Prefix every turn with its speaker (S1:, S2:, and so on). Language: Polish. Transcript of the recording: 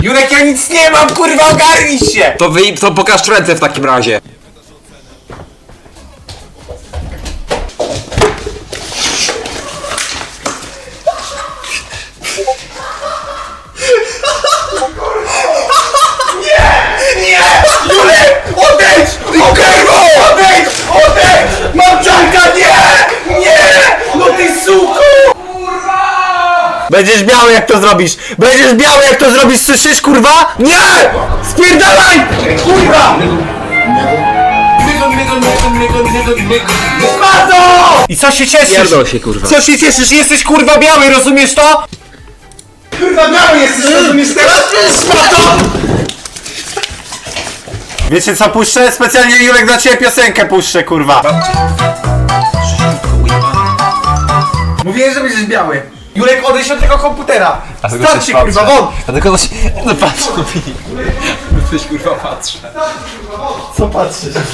S1: Jurek, ja nic nie mam, kurwa, ogarnij się!
S2: To pokaż ręce w takim razie.
S1: Jurek, odejdź! Odejdź! Odejdź! Mam czarka, nie! Nie! No ty suko!
S3: Będziesz biały jak to zrobisz! Będziesz biały jak to zrobisz, słyszysz kurwa? Nie! Spierdalaj!
S1: Kurwa! Spadło! I co się cieszysz?
S2: Pierdol się, kurwa.
S1: Co się cieszysz? Jesteś kurwa biały, rozumiesz to? Kurwa biały jesteś, rozumiesz teraz? Spadło! Wiecie co puszczę? Specjalnie Jurek dla ciebie piosenkę puszczę, kurwa. Mówiłem, że będziesz biały. Jurek, odejdź od tego komputera. Starczy, kurwa, won!
S2: A tylko coś... No patrz, no Filip. Coś kurwa patrzę.
S1: Co patrzysz?